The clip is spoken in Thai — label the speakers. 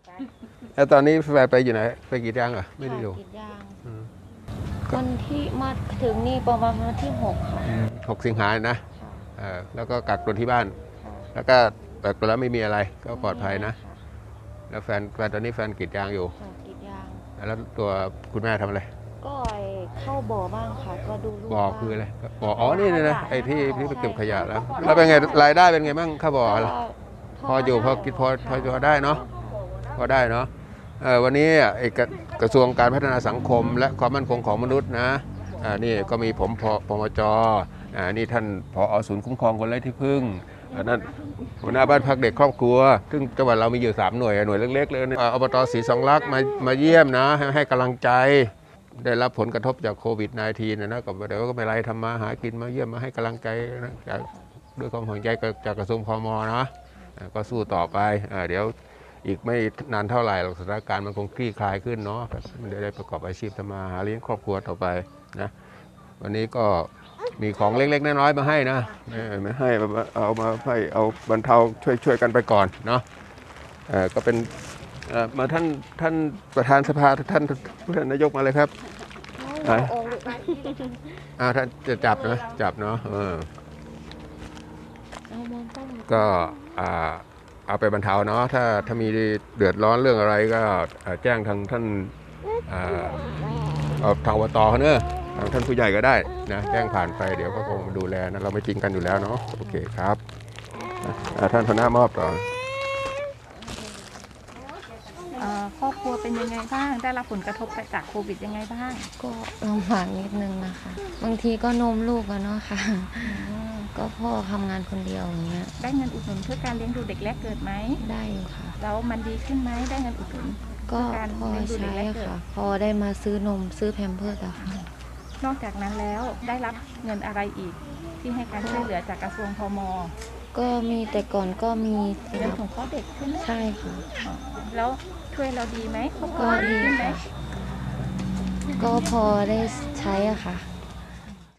Speaker 1: แล้วตอนนี้แฟนไปอยู่ไหนไปกรีดยางเหรอไม่ได้อยู่
Speaker 2: กรีดยาง
Speaker 1: อืม
Speaker 2: วันที่มาถึงนี่ประมาณวันที่6 ค่ะ
Speaker 1: 6 สิงหานะ
Speaker 2: ค่ะ
Speaker 1: แล้วก็กักตัวที่บ้าน
Speaker 2: ค่ะ
Speaker 1: แล้วก็กักตัวแล้วไม่มีอะไรก็ปลอดภัยนะ
Speaker 2: ค่
Speaker 1: แล้วแฟนตอนนี้แฟนกรีดยางอยู่
Speaker 2: ค่ะกรีดยาง
Speaker 1: แล้วตัวคุณแม่ทำอะไร
Speaker 2: ก็เข้าบ่อบ้างค่ะ ก็ดูลูก
Speaker 1: บ่อ
Speaker 2: บ้าง
Speaker 1: คืออะไรบ่ออ๋อนี่นะไอ้ที่ไปเก็บขยะแล้ว
Speaker 2: ใช่
Speaker 1: แล้วเป็นไงรายได้เป็นไงบ้างข้าวบ่อ
Speaker 2: ก็
Speaker 1: พออยู่พอกินพอ
Speaker 2: ค่ะ
Speaker 1: ได้เนาะพอได้เนาะวันนี้กระทรวงการพัฒนาสังคม และความมั่นคงของมนุษย์นะนี่ก็มีผมพมจนี่ท่านผอ.ศูนย์คุ้มครองคนไร้ที่พึ่งนั่นหัวหน้าบ้านพักเด็กครอบครัว ซึ่งจังหวัดเรามีอยู่3 หน่วยเล็กๆเลยอบต.ศรีสองลักษณ์มาเยี่ยมนะให้กำลังใจได้รับผลกระทบจากโควิด -19 นะก็เดี๋ยวก็ไม่ไรทำมาหากินมาเยี่ยมมาให้กำลังใจนะด้วยความห่วงใยจากกระทรวงพมนะก็สู้ต่อไปเดี๋ยวอีกไม่นานเท่าไหร่สถานการณ์มันคงคลี่คลายขึ้นเนาะมันได้ประกอบอาชีพทำมาหาเลี้ยงครอบครัวต่อไปนะวันนี้ก็มีของเล็กๆน้อยๆมาให้นะไม่ให้เอามาให้เอาบรรเทาช่วยกันไปก่อนเนาะก็เป็นมาท่านประธานสภาท่านนายกมาเลยครับท่านจะจับเนาะก็เอาไปบรรเทาเนาะถ้ามีเดือดร้อนเรื่องอะไรก็แจ้งทางท่านทางอบตเขาเนอะทางท่านผู้ใหญ่ก็ได้นะแจ้งผ่านไปเดี๋ยวก็คงดูแลนะเราไม่ทิ้งกันอยู่แล้วเนาะโอเคครับท่านหัวหน้ามอบต่อ
Speaker 3: ครอบครัวเป็นยังไงบ้าง ได้รับผลกระทบจากโควิดยังไงบ้าง
Speaker 2: ก็ลำบากนิดนึงนะคะ บางทีก็นมลูกอะเนาะค่ะ ก็พ่อทำงานคนเดียวอย่างเงี้ย
Speaker 3: ได้เงินอุดหนุนเพื่อการเลี้ยงดูเด็กแรกเกิดไหม
Speaker 2: ได้อยู่ค่ะ
Speaker 3: แล้วมันดีขึ้นไหมได้เงินอุดหนุน
Speaker 2: ก็พอใช้ค่ะ พอได้มาซื้อนมซื้อแพมเพิร์สอะค่ะ
Speaker 3: นอกจากนั้นแล้วได้รับเงินอะไรอีก ที่ให้การช่วยเหลือจากกระทรวงพม
Speaker 2: ก็มีแต่ก่อนก็มี
Speaker 3: เรื่องของข้อเด็กใช่ไหม
Speaker 2: ใช่ค่ะ
Speaker 3: แล้วช่วยเราดีไหมครอบครั
Speaker 2: ก็
Speaker 3: ว
Speaker 2: ดี
Speaker 3: ขึ้นไหม
Speaker 2: ค่ะ ก็พอได้ใช้อะค่ะ